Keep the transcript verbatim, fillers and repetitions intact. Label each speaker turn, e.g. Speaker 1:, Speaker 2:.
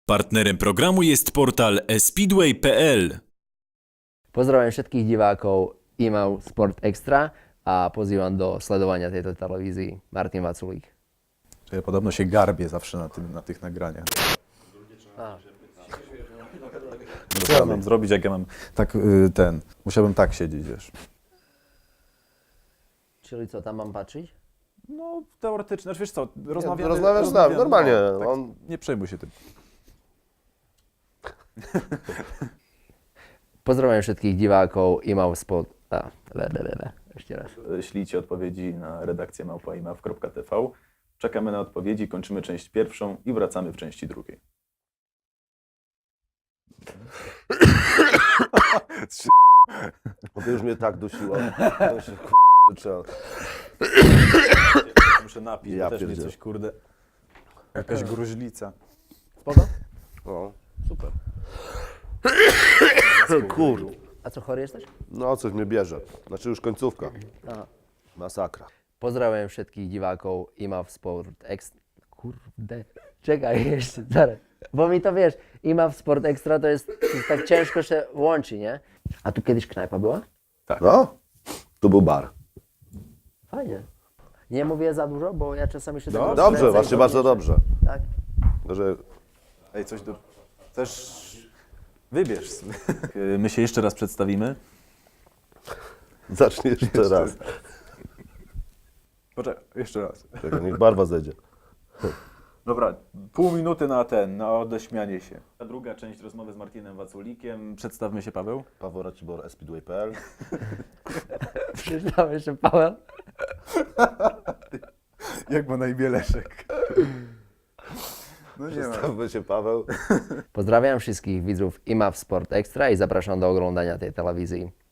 Speaker 1: Partnerem programu jest portal e speedway kropka p l.
Speaker 2: Pozdrawiam všetkých divákov í em á ú Sport Extra a pozývam do sledovania tejto televízii Martin Vaculík.
Speaker 3: Ja podobno się garbię zawsze na, tym, na tych nagraniach. Co ja mam zrobić, jak ja mam tak y, ten, musiałbym tak siedzieć, wiesz.
Speaker 2: Čili co, tam mám patriť?
Speaker 3: No teoretycznie, znaczy wiesz co, rozmawiamy...
Speaker 4: rozmawiasz z nami, normalnie,
Speaker 3: No, tak,
Speaker 4: on-
Speaker 3: Nie przejmuj się tym.
Speaker 2: Pozdrawiam všetkých divákov í em á ú Sport... A, le, le, le, le. Ešte raz.
Speaker 5: Ślijcie odpowiedzi na redakcję małpa i m a w kropka t v. Czekamy na odpowiedzi, kończymy część pierwszą i wracamy w części drugiej.
Speaker 4: Bo to już mnie tak dusiło. To się, k***, trzeba.
Speaker 3: Muszę napić,
Speaker 4: Ja
Speaker 3: bo też mnie
Speaker 4: pierdzielę.
Speaker 3: coś, kurde, jakaś gruźlica.
Speaker 2: Spoko?
Speaker 4: No,
Speaker 2: Super.
Speaker 4: kur.
Speaker 2: A co, chory jesteś?
Speaker 4: No, coś mnie bierze. Znaczy już końcówka.
Speaker 2: Aha.
Speaker 4: Masakra.
Speaker 2: Pozdrawiam všetkých divákov í em á ú Sport Extra. Kurde. Czekaj jeszcze, zaraz. Bo mi to wiesz, í em á ú Sport Extra to jest, to jest tak ciężko się łączy, nie? A tu kiedyś knajpa była?
Speaker 4: No, tu był bar.
Speaker 2: Fajnie. Nie mówię za dużo, bo ja czasami się tego
Speaker 4: Dobrze,
Speaker 2: rozkręcę i
Speaker 4: właśnie
Speaker 2: to
Speaker 4: bardzo
Speaker 2: wiesz,
Speaker 4: dobrze.
Speaker 2: Tak?
Speaker 4: Że
Speaker 3: Ej, coś do... Też wybierz sobie.
Speaker 5: Y, My się jeszcze raz przedstawimy.
Speaker 4: zacznie jeszcze raz.
Speaker 3: Poczekaj, jeszcze raz.
Speaker 4: Czekaj, niech barwa zejdzie.
Speaker 3: Dobra, pół minuty na ten, na odeśmianie się.
Speaker 5: A druga część rozmowy z Martinem Waculikiem. Przedstawmy się, Paweł.
Speaker 4: Paweł Racibor, e speedway kropka p l.
Speaker 2: Przyznamy się, Paweł.
Speaker 3: Jak ma na imię Leszek? No nie ma.
Speaker 4: Przedstawmy się Paweł.
Speaker 2: Pozdrawiam wszystkich widzów í em á ú Sport Extra i zapraszam do oglądania tej telewizji.